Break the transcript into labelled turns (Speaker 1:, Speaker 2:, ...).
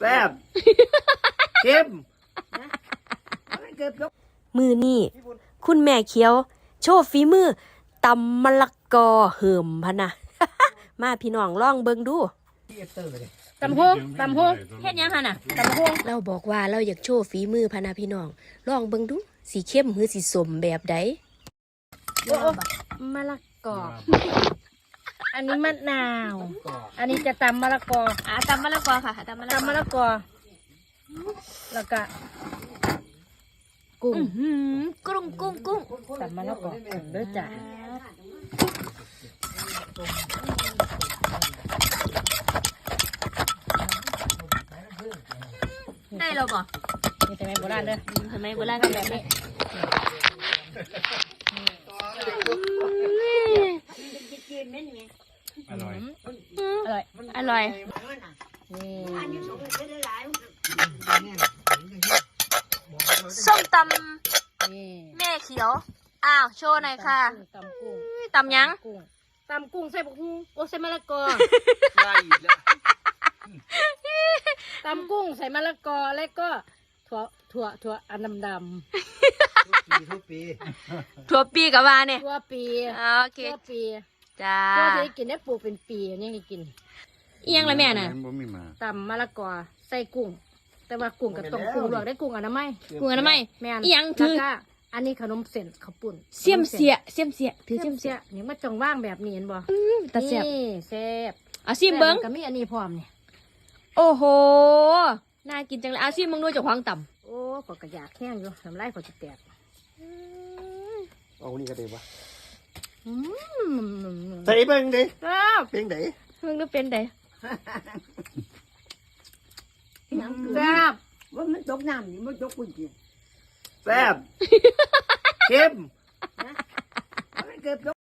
Speaker 1: แซ่บเข้ม
Speaker 2: มือนี่คุณแม่เขียวโชว์ฝีมือตำมะละกอเหิมพะนะ มาพี่น้องลองเบิ่งดู
Speaker 3: ตำโฮงเฮ็ดยังหั่นน่ะตำโฮง
Speaker 2: เราบอกว่าเราอยากโชว์ฝีมือพะนะพี่น้องลองเบิ่งดูสีเข้มหรือสีสมแบบใด
Speaker 3: มะละกออันนี้มะนาวอันนี้จะตำมะละกอ
Speaker 2: ตำมะละกอค่ะตำมะ
Speaker 3: ละกอแล้วก็กุ้งตำมะละกอเด้อจ้ะ
Speaker 2: ได้เราบ่
Speaker 3: นี่ทำไมโบราณเด้อ
Speaker 2: ทำไมโบราณกันแบบนี้
Speaker 1: อร่อย
Speaker 2: อร่อยส้มตำแม่เขียวอ้าวโชว์หน่อยค่ะ
Speaker 3: ตำกุ้ง
Speaker 2: ตำยัง
Speaker 3: ตำกุ้งใส่บุกฮูโอ้ใส่มะละกอ
Speaker 1: ได้อีกแล้ว
Speaker 3: ตำกุ้งใส่มะละกอแล้วก็ถั่วอันดำ
Speaker 1: ทุกปี
Speaker 2: ถั่วปีกับว่าเนี่ย
Speaker 3: ถั่วปี
Speaker 2: โอเค
Speaker 3: ถั่วปี
Speaker 2: จ้า
Speaker 3: ถั่วที่กินได้ปลูกเป็นปีนี่ให้กิน
Speaker 2: เอียงละแม่น่ะ
Speaker 3: ตำมะละกอใส่กุ้งแต่ว่ากุ้งกับต้มกุ้งลวกได้กุ้งอนามัยแม่
Speaker 2: เอียงถือ
Speaker 3: อันนี้ขนมเส้นข้าวปุ้น
Speaker 2: เสียมเสียถือเสียมเสีย
Speaker 3: นี่มาจงว่างแบบนี้เห็นบ่
Speaker 2: ตาเสียบ
Speaker 3: แซ่บ
Speaker 2: ซิมเบิ้ง
Speaker 3: ก็มีอันนี้พร้อมเนี่ย
Speaker 2: โอ้โหน่ากินจังเลยซิมเบิ้งด้วยจากควางต่ำ
Speaker 3: โอ้ก็กระยากแห้งอยู่น้ำลายก็จะแตก
Speaker 1: เอานี่ก็ได้ปะ
Speaker 3: ใส่
Speaker 1: เป็นดิ
Speaker 3: เป็น
Speaker 1: ได
Speaker 2: เบิ้งดูเป็นได
Speaker 3: แซ่บ
Speaker 4: ว่ามันตกน้ำนี่มันตกปุ่นจี
Speaker 1: แซ่บเข้ม